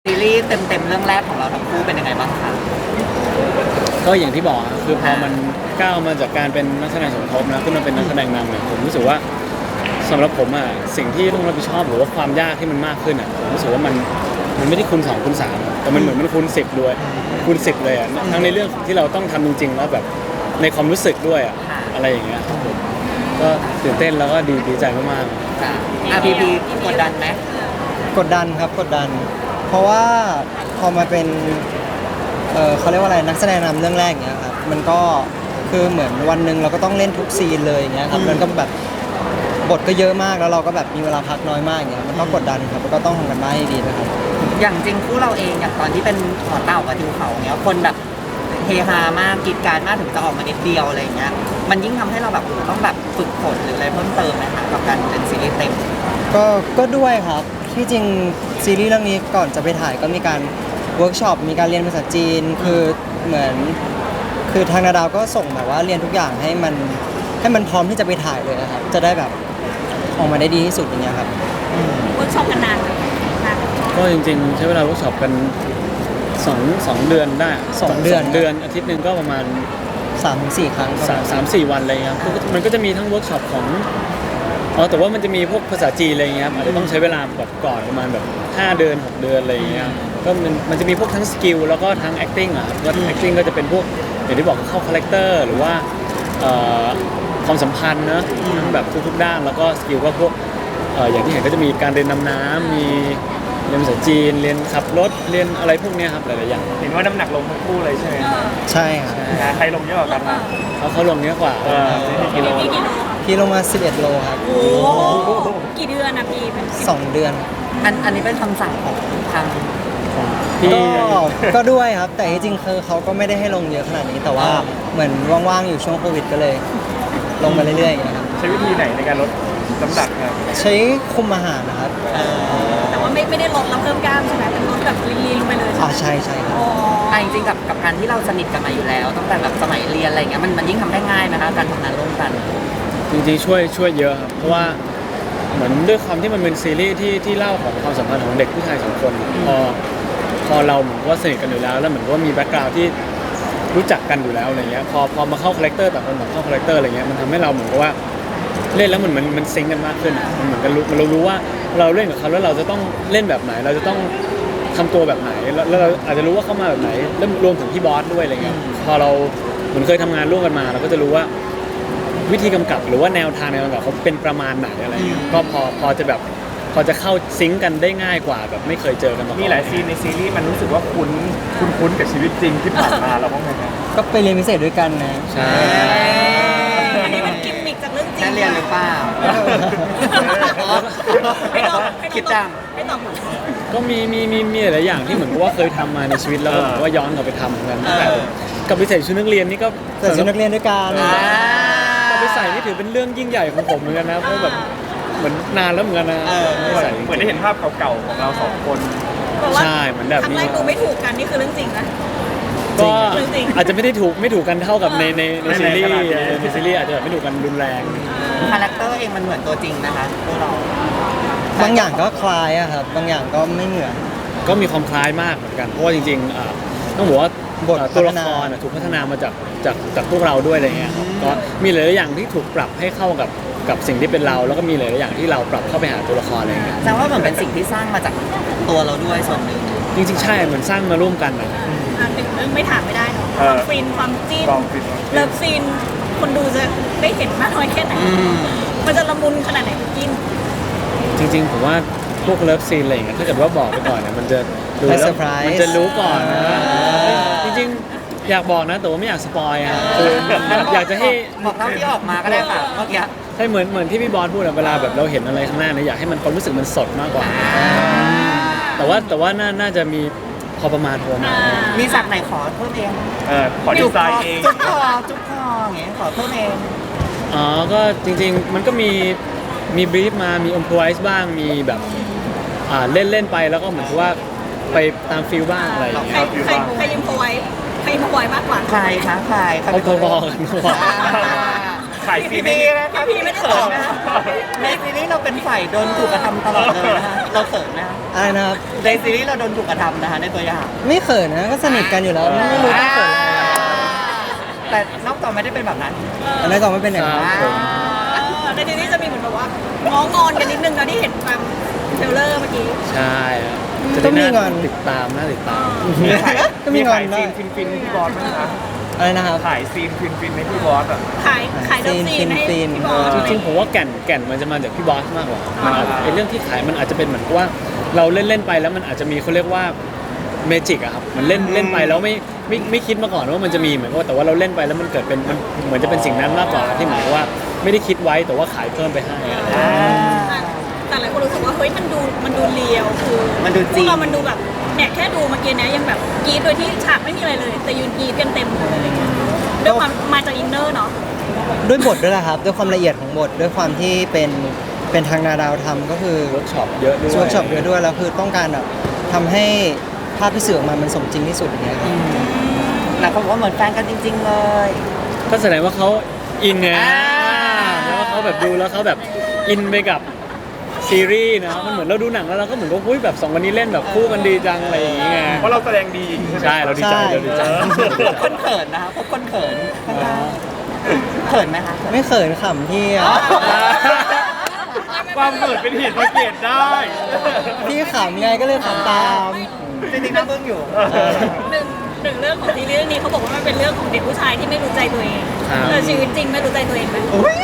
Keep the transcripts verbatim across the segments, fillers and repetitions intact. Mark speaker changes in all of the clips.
Speaker 1: ซีรีส์เต็มๆเรื่องแรกของเราทั้งคู่เป็นยังไงบ้างคะ
Speaker 2: ก็อย่างที่บอกคือพอมันก้าวมาจากการเป็นนักแสดงสมทบนะขึ้นมาเป็นนักแสดงนำเนี่ยผมรู้สึกว่าสำหรับผมอ่ะสิ่งที่ต้องรับผิดชอบหรือว่าความยากที่มันมากขึ้นอ่ะผมรู้สึกว่ามันมันไม่ได้คูณสองคูณสามแต่มันเหมือนมันคูณสิบด้วยคูณสิบเลยอ่ะทั้งในเรื่องที่เราต้องทำจริงๆแล้วแบบในความรู้สึกด้วยอ่ะอะไรอย่างเงี้ยก็ตื่นเต้นแล้วก็ดีดีใจมากๆ
Speaker 1: จ้ะอ่ะพีพีกดดันไหม
Speaker 3: กดดันครับกดดัน เพราะว่าพอมาเป็นเออเขาเรียกว่าอะไรนักแสดงนำเรื่องแรกเนี้ยครับมันก็คือเหมือนวันหนึ่งเราก็ต้องเล่นทุกซีนเลยอย่างเงี้ยครับมันก็แบบบทก็เยอะมากแล้วเราก็แบบมีเวลาพักน้อยมากอย่างเงี้ยมันก็กดดันครับแล้วก็ต้องทำกันบ้านให้ดีนะครับ
Speaker 1: อย่างจริงคู่เราเองอย่างตอนที่เป็นขอเต่ากับทิวเขาเนี้ยคนแบบเฮฮามากกรีดกรารมากถึงจะออกมานิดเดียวอะไรอย่างเงี้ยมันยิ่งทำให้เราแบบต้องแบบฝึกฝนหรืออะไรเพิ่มเติมไหมคะกับการเป็นซีรีส์เต็ม
Speaker 3: ก็ก็ด้วยครับที่จริงซีรีส์เรื่องนี้ก่อนจะไปถ่ายก็มีการเวิร์กช็อปมีการเรียนภาษาจีนคือเหมือนคือทางนาดาวก็ส่งแบบว่าเรียนทุกอย่างให้มันให้มันพร้อมที่จะไปถ่ายเลยนะครับจะได้แบบออกมาได้ดีที่สุดอย่างเงี้ยครับ
Speaker 4: เวิร์กช็อปกันนานไหมนาน
Speaker 2: ก็จริงๆใช้เวลาเวิร์กช็อปกันสองสองเดือนได้
Speaker 3: สองเดือน
Speaker 2: เดือนอาทิตย์หนึ่งก็ประมาณ
Speaker 3: สามถึงสี่ครั้ง
Speaker 2: สามสามสี่วันอะไรเงี้ยมันก็จะมีทั้งเวิร์กช็อปของอ๋อแต่ว่ามันจะมีพวกภาษาจีนอะไรเงี้ยอาจจะต้องใช้เวลาแบบก่อนประมาณแบบห้าเดือนหกเดือนอะไรเงี้ยก็มันมันจะมีพวกทั้งสกิลแล้วก็ทั้ง acting อ่ะว่า acting ก็จะเป็นพวกอย่างที่บอกเข้าคาแรคเตอร์หรือว่าความสัมพันธ์นะทั้งแบบทุกๆด้านแล้วก็สกิลก็พวกอย่างที่เห็นก็จะมีการเรียนดำน้ำมีเรียนภาษาจีนเรียนขับรถเรียนอะไรพวกนี้ครับหลายๆอย่าง
Speaker 5: เห็นว่าน้ำหนักลงทั้งคู่เลยใช่ไหม
Speaker 3: ใช่ครับ
Speaker 5: ใครลงเยอะกว่ากันนะ
Speaker 2: เขาเขาลงเยอะกว่า
Speaker 5: กิโล
Speaker 3: พี่ลงมาสิบเอ็ดโลครับ
Speaker 4: โอ้กี่เดือนนะพี่
Speaker 3: สองเดือน
Speaker 1: อันอันนี้เป็นคำสั่งของทาง
Speaker 3: ก็ก็ด้วยครับแต่จริงๆคือเขาก็ไม่ได้ให้ลงเยอะขนาดนี้แต่ว่าเหมือนว่างๆอยู่ช่วงโควิดก็เลยลงมาเรื่อยๆอย่างเงี้ยครับ
Speaker 5: ใช้วิธีไหนในการลดน้ำหนักครับ
Speaker 3: ใช้คุมอาหารนะครับ
Speaker 4: แต่ว่าไม่ไม่ได้ลดแล้วเพิ่มกล้ามใช่ไหมเป็นลดแบบลีนๆลงไปเลย
Speaker 3: อ๋อใช่ใช่ครับ
Speaker 1: อ่ะจริงๆกับกับการที่เราสนิทกันมาอยู่แล้วตั้งแต่แบบสมัยเรียนอะไรเงี้ยมันมันยิ่งทำได้ง่ายนะคะการทำงานร่วมกัน
Speaker 2: จริงๆช่วยช่วยเยอะครับเพราะว่าเหมือนด้วยความที่มันเป็นซีรีส์ที่ที่เล่าของความสัมพันธ์ของเด็กผู้ชายสองคนพอพอเราเหมือนว่าสนิทกันอยู่แล้วแล้วเหมือนว่ามีแบ็คกราวด์ที่รู้จักกันอยู่แล้วอะไรเงี้ยพอพอมาเข้าคาแรคเตอร์แต่คนแบบเข้าคาแรคเตอร์อะไรเงี้ยมันทำให้เราเหมือนกับว่าเล่นแล้วมันมันมันซิงกันมากขึ้นมันเหมือนกันรู้เรารู้ว่าเราเล่นกับเขาแล้วเราจะต้องเล่นแบบไหนเราจะต้องทำตัวแบบไหนแล้วเราอาจจะรู้ว่าเขามาแบบไหนแล้วรวมถึงพี่บอสด้วยอะไรเงี้ยพอเราเหมือนเคยทำงานร่วมกันมาเราก็จะรู้ว่าวิธีกำกับหรือว่าแนวทางในการกำกับเขาเป็นประมาณไหนอะไรเงี้ยก็พอพอจะแบบพอจะเข้าซิงกันได้ง่ายกว่าแบบไม่เคยเจอกันมาก่อน
Speaker 5: มีหลายซีนในซีรีส์มันรู้สึกว่าคุ้นคุ้นคุ้นกับชีวิตจริงที่ผ่านมาเราบ้างไหมครับ
Speaker 3: ก็ไปเรียนพิเศษด้วยกันนะ
Speaker 2: ใช่
Speaker 4: อันนี้มันกิมมิกจากเรื่องจริง
Speaker 1: ได้เรียนหรือเปล่าคิดจัง
Speaker 4: ไม่ตอบ
Speaker 2: ก็มีมีมีมีหลายอย่างที่เหมือนกับว่าเคยทำมาในชีวิตแล้วก็ว่าย้อนกลับไปทำเหมือนกันกับไปใส่ชุดนักเรียนนี่ก็
Speaker 3: ใส่ชุดนักเรียนด้วยกัน
Speaker 2: กับไปใส่นี่ถือเป็นเรื่องยิ่งใหญ่ของผมเหมือนกันนะเพราะแบบเหมือนนานแล้วเหมือนกันนะ
Speaker 5: เหมือนได้เห็นภาพเก่าๆของเราสองคน
Speaker 2: ใช่เหมือนแบบ
Speaker 4: นี้ครั้งแรกดูไม่ถูกกันนี่คือเรื่องจริงนะ
Speaker 2: ก็อาจจะไม่ได้ถูกไม่ถูกกันเท่ากับในในในซีรีส์ในซีรีส์อาจจะแบบไม่ถูกกันรุนแรง
Speaker 1: คาแรคเตอร์เองมันเหมือนตัวจริงนะคะตัวเรา
Speaker 3: บางอย่างก็คล้ายอะครับบางอย่างก็ไม่เหมือน
Speaker 2: ก็มีความคล้ายมากเหมือนกันเพราะว่าจริงๆต้องบอกว่าบทตัวละครถูกพัฒนามาจากจากจากพวกเราด้วยอะไรเงี้ยก็มีหลายๆอย่างที่ถูกปรับให้เข้ากับกับสิ่งที่เป็นเราแล้วก็มีหลายๆอย่างที่เราปรับเข้าไปหาตัวละครอะไรเงี้ย
Speaker 1: แสดงว่าเหมือนเป็นสิ่งที่สร้างมาจากตัวเราด้วยส่วนหนึ่ง
Speaker 2: จริงๆใช่เหมือนสร้างมาร่วมกันนะ
Speaker 4: อ่าหนึ่งเรื่องไม่ถามไม่ได้เนาะความฟินความจิ้นเลิฟซีนคนดูจะได้เห็นมากน้อยแค่ไหนมันจะละมุนขนาดไหนกิน
Speaker 2: จริงๆผมว่าพวกเลิฟซีนอะไรอย่างเงี้ยถ้าเกิดว่าบอกไปก่อนเนี่ยมันจะดูแล้วมันจะรู้ก่อนนะจริงๆอยากบอกนะแต่ว่าไม่อยากสปอยอ่ะคืออยากจะให้
Speaker 1: บอกเท่าที่ออกมาก็ได้ค่ะเมื่อกี้
Speaker 2: ใช่เหมือนเหมือนที่พี่บอสพูดอะเวลาแบบเราเห็นอะไรข้างหน้าเนี่ยอยากให้มันความรู้สึกมันสดมากกว่าแต่ว่าแต่ว่าน่าจะมีพอประมาณพอประมาณ
Speaker 1: มีสักไหนขอเพิ่มเอง
Speaker 5: เออขอดีไซน์เอง
Speaker 1: จุ๊บคอจุ๊บคออย่างเงี้ยขอเพิ่มเอง
Speaker 2: อ๋อก็จริงๆมันก็มีมีบรีฟมามีอิมพรไวส์บ้างมีแบบอ่าเล่นเล่นไปแล้วก็เหมือนกับว่าไปตามฟิลบ้างอะไรอย่างเงี้ย
Speaker 4: ใครใครใครอิมพรไวส์ใครอิมพรไวส์มากกว่า
Speaker 1: ใครคะใคร
Speaker 2: เขาพอๆกัน
Speaker 5: ขายซี
Speaker 1: พี่
Speaker 5: น
Speaker 1: พีนะครับพี่ไม่เขินนะในซีรีส์เราเป็นฝ่ายโดนถูกกระทำตลอดเลยนะฮะเราเขินนะ
Speaker 3: อะไรนะครับ
Speaker 1: ในซีรีส์เราโดนถูกกระทำนะคะในตัวอย่าง
Speaker 3: ไม่เขินนะก็สนิทกันอยู่แล้วไม่ไม่รู้ต้องเขินอะไร
Speaker 1: แต่นอกจอไม่ได้เป็นแบบนั้น
Speaker 3: อันนั้นก็ไม่เป็นอย่างนั้น
Speaker 2: ครับผม
Speaker 4: เออในทีนี้จะมีเหมือนแบบว่าง้องอนกันนิดนึงนะที่เห็นตามเทรลเลอร์เมื่อกี้
Speaker 2: ใช่ครับ
Speaker 3: ก็มีงอน
Speaker 2: ติดตามน่าติดตาม
Speaker 3: ก็มีงอน
Speaker 5: ขาย
Speaker 3: ได้
Speaker 5: ซีนฟินฟินๆให้พี่บอสไหมคะ
Speaker 3: อะไรนะครับ
Speaker 5: ขายซีนฟินฟินๆให้พี่บอสอ่ะ
Speaker 4: ขายขายเลิฟซีนให้
Speaker 3: ซีน
Speaker 4: พี่บอล
Speaker 2: จริงๆผมว่าแก่นแก่นมันจะมาจากพี่บอสมากกว่ามันอาจไอเรื่องที่ขายมันอาจจะเป็นเหมือนกับว่าเราเล่นเล่นๆไปแล้วมันอาจจะมีเขาเรียกว่าเมจิกอะครับมันเล่นเล่นไปแล้วไม่ไม่ไม่คิดมาก่อนว่ามันจะมีเหมือนกับว่าแต่ว่าเราเล่นไปแล้วมันเกิดเป็นมันเหมือนจะเป็นสิ่งนั้นมากกว่าที่เหมือนกับว่าไม่ได้คิดไว้แต่ว่าขายเพิ่มไปให้อะไรอย่างเงี้ย
Speaker 4: แต่หลายคนรู้สึกว่าเฮ้ยมันดูมันดูเรียวคือ
Speaker 1: มันดูจริง
Speaker 4: พวกเรามันดูแบบเนี่ยแค่ดูเมื่อกี้เนี้ยยังแบบกรีดโดยที่ฉากไม่มีอะไรเลย แต่ยืนกรีดกันเต็มเลยอะไรเงี้ยด้วยความมาจากอินเนอร์เนาะ
Speaker 3: ด้วยบทด้วยแหละครับ ด้วยความละเอียดของบทด้วยความที่เป็นเป็นทางนาดาวทำก็คือ
Speaker 2: เวิร์กช็อปเยอะด้วย
Speaker 3: ช่วยช็อปเยอะด้วยแล้วคือต้องการแบบทำให้ภาพที่สื่อออกมามันสมจริงที่สุดอย่างเงี้ยครับ
Speaker 1: หลายคนบอกว่าเหมือนแฟนกันจริง ๆ เลย
Speaker 2: ก็แสดงว่าเขาอินไง
Speaker 1: อ่า
Speaker 2: แล้วเขาแบบดูแล้วเขาแบบอินไปกับซีรีส์นะมันเหมือนเราดูหนังแล้วเราก็เหมือนกับอุ้ยแบบสองคนนี้เล่นแบบคู่กันดีจังอะไรอย่างเงี้ย
Speaker 5: เพราะเราแสดงดีใช่ไหม
Speaker 2: ใช่เราดีใจเราดีใจ
Speaker 1: พบคนเขินนะคะพบคนเขินเขินไหมคะ
Speaker 3: ไม่เขินขำที่อะ
Speaker 5: ความเกิดเป็นเหตุสังเกตได้
Speaker 3: พี่ขำไงก็เลยขำตาม
Speaker 1: จริงๆก็เพิ่งอยู่
Speaker 4: หนึ่งหนึ่งเรื่องของซีรีส์เรื่องนี้เขาบอกว่ามันเป็นเรื่องของเด็กผู้ชายที่ไม่รู้ใจตัวเอง
Speaker 2: ครับ
Speaker 4: แต่ชีวิตจริงไม่รู้ใจตัวเองไหม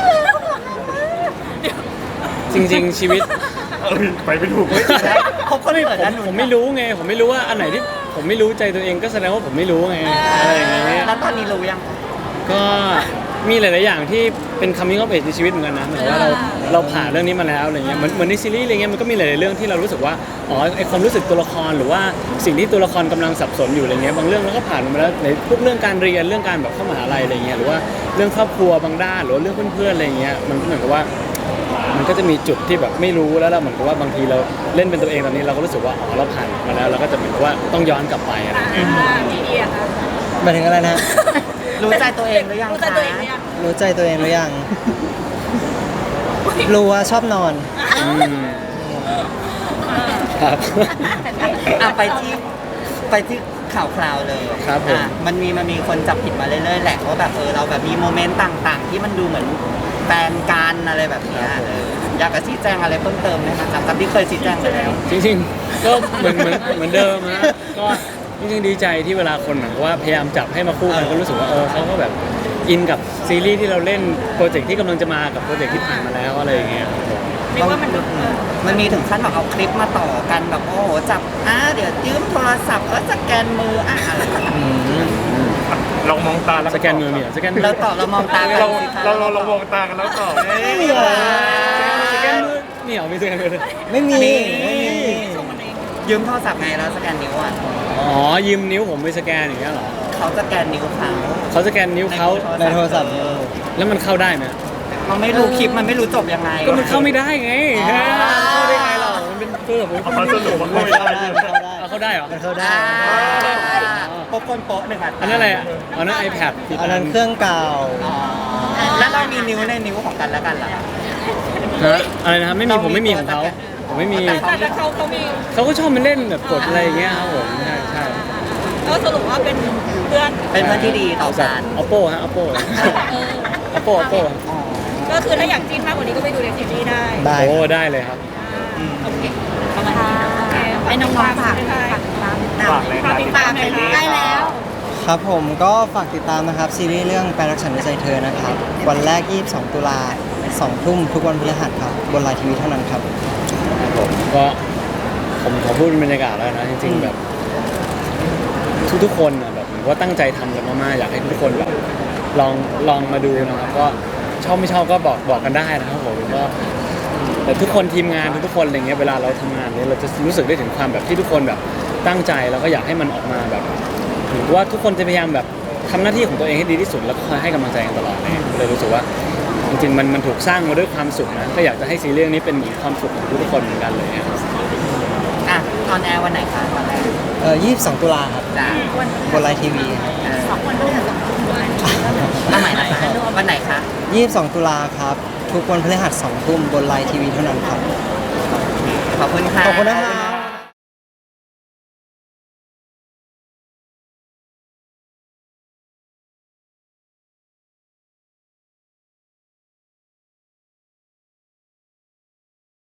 Speaker 2: จริง ๆ ชีวิต
Speaker 5: เออไปไม่ถูกเลย
Speaker 1: พบคนเขิน
Speaker 2: ผม
Speaker 1: นะหนู
Speaker 2: ผมไม่รู้ไง ผมไม่รู้ว่าอันไหนที่ผมไม่รู้ใจตัวเองก็แสดงว่าผมไม่รู้ไงอะไรอย่างเงี้ย
Speaker 1: แล้วตอนนี้รู้ยัง
Speaker 2: ก็มีหลาย ๆ อย่างที่เป็นคำนี้ก็เป็นในชีวิตเหมือนกันนะหมายถึงว่าเราเราผ่านเรื่องนี้มาแล้วอะไรเงี้ยเหมือนเหมือนในซีรีส์อะไรเงี้ยมันก็มีหลาย ๆ เรื่องที่เรารู้สึกว่าอ๋อไอความรู้สึกตัวละครหรือว่าสิ่งที่ตัวละครกำลังสับสนอยู่อะไรเงี้ยบางเรื่องเราก็ผ่านมาแล้วในพวกเรื่องการเรียนเรื่องการแบบเข้ามหาลัยอะไรเงี้ยหรือว่าเรื่องครอบครัวบางด้านหรือว่าเรื่องเพื่อน ๆ อะไรเงี้ยมันก็เหมือนกับว่า มันก็จะมีจุดที่แบบไม่รู้แล้วเราเหมือนกับว่าบางทีเราเล่นเป็นตัวเองตอนนี้เราก็รู้สึกว่าอ๋อเราผ่านมาแล้วเราก็จะเหมือนกับว่าต้องย้อนกลับไปอะไรอย่างเงี้ย
Speaker 4: อ่าพี่เอียค่ะ
Speaker 3: หมายถึงอะไรนะ
Speaker 1: รู้ใจตัวเองหรือยัง
Speaker 4: รู้ใจ
Speaker 1: คะ
Speaker 4: ตัวเองหรือยัง
Speaker 3: รู้ใจตัวเองหรือยัง รู้ว่าชอบนอน
Speaker 2: อืมครับ
Speaker 1: อ่ะไปที่ไปที่ข่าวคราวเลย
Speaker 2: ครับผม
Speaker 1: อ่ะมันมีมันมีคนจับผิดมาเรื่อยๆแหละว่าแบบเออเราแบบมีโมเมนต์ต่างๆ ที่มันดูเหมือนแฟนกันอะไรแบบเนี้ยเอออยากจะชี้แจงอะไรเพิ่มเติมไหมคะจากที่เคยชี้แจงไปแล้ว
Speaker 2: จริงๆ ก็เหมือนเหมือนเหมือนเดิมนะก็จริงๆดีใจที่เวลาคนเหมือนกับว่าพยายามจับให้มาคู่กันก็รู้สึกว่าเออเขาก็แบบอินกับซีรีส์ที่เราเล่นโปรเจกต์ที่กำลังจะมากับโปรเจกต์ที่ผ่านมาแล้วอะไรอย่างเงี้ยครับผม
Speaker 4: เรียกว่ามันดูเออ
Speaker 1: มันมีถึงขั้นแบบเอาคลิปมาต่อกันแบบโอ้โหจับอ่ะเดี๋ยวยืมโทรศัพท์แล้วสแกนมืออ่ะอะไรแบบนี้
Speaker 5: ลองมองตาแล้ว
Speaker 2: สแกนมือมีเหรอสแกนมือ
Speaker 1: เราตอบเรามองตากัน
Speaker 5: เรา
Speaker 1: สิคะ
Speaker 5: เราเราเรามองตากันแล้วตอบ
Speaker 3: ไม่มีอะไร
Speaker 2: สแกนมือนี่เหรอมีสแกนมือด้วย
Speaker 3: ไม่มีไม่มี
Speaker 4: ส่งมันเอง
Speaker 1: ยืมโทรศัพท์ไงแล้วสแกนนิ้วอ่ะ
Speaker 2: อ๋อยืมนิ้วผมไปสแกนอย่างเงี้ยเหรอ
Speaker 1: เขาสแกนนิ้วเขา
Speaker 2: เขาสแกนนิ้วเขา
Speaker 3: ในโทรศัพท์
Speaker 2: แล้วมันเข้าได้ไหม
Speaker 1: มันไม่รู้คลิปมันไม่รู้จบยังไง
Speaker 2: ก็มันเข้าไม่ได้ไง
Speaker 1: อ๋อ
Speaker 2: เข้าได้ไงเรามันเป็นเพื่อนผม
Speaker 5: เอามาสรุปมัน
Speaker 3: มั
Speaker 5: ไม่
Speaker 3: นเข้า
Speaker 5: ได้
Speaker 3: ได้มันเข้าได้
Speaker 2: เอาเข้าได้เหรอ
Speaker 3: มันเข้าได้
Speaker 1: อ่าพบคนโป๊ะหนึ่งอ่ะ
Speaker 2: อันนั้นอะไรอ่ะอันนั้น iPad ผิด
Speaker 3: อันนั้นเครื่องเก่า
Speaker 1: อ๋อแล้วเรามีนิ้วในนิ้วของกันแล้วกันเหรอ
Speaker 2: ฮะอะไรนะครับไม่มีผมไม่มีของเขาผมไม่มี
Speaker 1: แต่
Speaker 4: แต่เขาเขามี
Speaker 2: เขาก็ชอบมาเล่นแบบกดอะไรอย่างเงี้ยครับผมใช่ใช่
Speaker 4: ก็สรุปว่าเป็นเพื่อน
Speaker 1: เป็นเพื่อนที่ดีต่อ
Speaker 2: แบบ
Speaker 1: กัน
Speaker 2: oppo ฮะ oppo
Speaker 4: เออ
Speaker 2: oppo oppo
Speaker 1: อ๋อ
Speaker 4: ก็คือถ้าอยากจิ้นมากกว่านี้ก็ไปดูในซีรีส์ได้
Speaker 3: ได้
Speaker 2: โอ้ได้เลยครับ
Speaker 1: อืม
Speaker 4: โอเคประมาณนี้โอเคให้น้องๆฝากฝาก
Speaker 5: ฝากเลย
Speaker 4: ฝากติดตามเลยค่ะใกล้แล้ว
Speaker 3: ครับผมก็ฝากติดตามนะครับ ซีรีส์เรื่องแปลรักฉันในใจเธอนะครับ วันแรก ยี่สิบสอง ตุลาสองทุ่มทุกวันพฤหัสครับ บนไลน์ทีวีเท่านั้นครับ
Speaker 2: ผมก็ผมขอพูดเป็นบรรยากาศแล้วนะจริงๆแบบ ทุกๆคนนะแบบผมว่าตั้งใจทำกันมากๆอยากให้ทุกคนแบบลองลองมาดูนะครับก็ชอบไม่ชอบก็บอกบอกกันได้นะครับผมก็แต่ทุกคนทีมงานทุกๆคนอะไรเงี้ยเวลาเราทำงานเนี่ยเราจะรู้สึกได้ถึงความแบบที่ทุกคนแบบตั้งใจแล้วก็อยากให้มันออกมาแบบถือว่าทุกคนจะพยายามแบบทำหน้าที่ของตัวเองให้ดีที่สุดแล้วก็คอยให้กำลังใจกันตลอดเลยเลยรู้สึกว่าจริงๆมันมันถูกสร้างมาด้วยความสุขนะก็อยากจะให้ซีรีส์เรื่องนี้เป็นเหมือนความสุขของทุกๆคนเหมือนกันเลยครับ
Speaker 1: อ่ะออนแอร์วันไหนคะตอนแรก
Speaker 3: เอ่อ ยี่สิบสอง ตุลาครับ
Speaker 1: จ้า
Speaker 3: บนไลน์ทีวีครับ
Speaker 1: สองวันพฤหัสมาใหม่นะคะวันไหนคะ
Speaker 3: ยี่สิบสองตุลาครับ ทุกวันพฤหัสสองทุ่มบนไลน์ทีวีเท่านั้นครับ
Speaker 1: ขอบคุณค่ะ
Speaker 3: ขอบคุณนะครับ